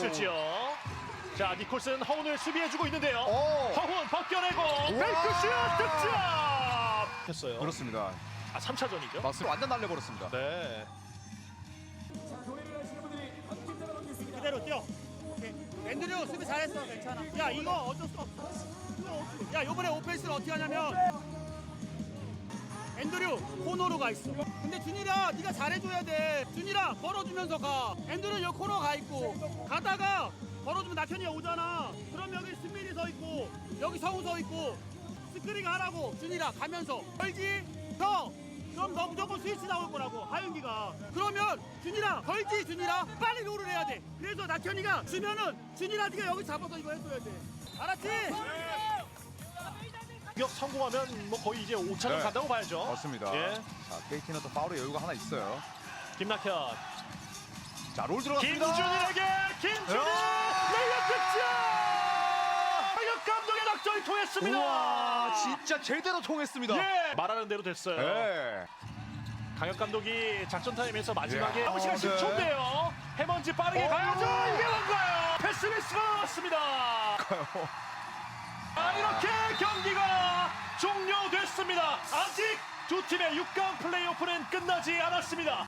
죠 자, 니콜슨 허운을 수비해주고 있는데요. 허운 벗겨내고 뱅크슛 득점! 했어요. 그렇습니다. 아, 3차전이죠? 맞습니다. 완전 날려버렸습니다. 네. 그대로 뛰어. 오케이. 앤드류 수비 잘했어. 괜찮아. 야 이거 어쩔 수 없어. 야 요번에 오펜스를 어떻게 하냐면 앤드류 코너로 가 있어. 근데 준이라 네가 잘해줘야 돼. 준이라 걸어주면서 가. 앤드류 여기 코너 가 있고 가다가 걸어주면 낙현이가 오잖아. 그럼 여기 승민이 서 있고 여기 성우 서 있고 스크린 하라고. 준이라 가면서 걸지 더. 그럼 너 무조건 스위치 나올 거라고 하윤기가. 그러면 준이라 걸지. 준이라 빨리 롤을 해야 돼. 그래서 낙현이가 주면은 준이라 네가 여기 잡아서 이거 해줘야 돼. 알았지? 공격 성공하면 뭐 거의 이제 5차전 네. 간다고 봐야죠. 맞습니다. 예. 자, KT는 또 파울의 여유가 하나 있어요. 김낙현. 자, 롤 들어갔습니다. 김준일에게 김준일 레이업 득점! 강혁 감독의 작전이 통했습니다. 우와, 진짜 제대로 통했습니다. 예. 말하는 대로 됐어요. 네. 강혁 감독이 작전 타임에서 마지막에 예. 남은 시간 네. 10초인데요. 해먼지 빠르게 가야죠. 이게 뭔가요? 패스 미스가 나왔습니다. 아, 이렇게 경기가 종료됐습니다. 아직 두 팀의 6강 플레이오프는 끝나지 않았습니다.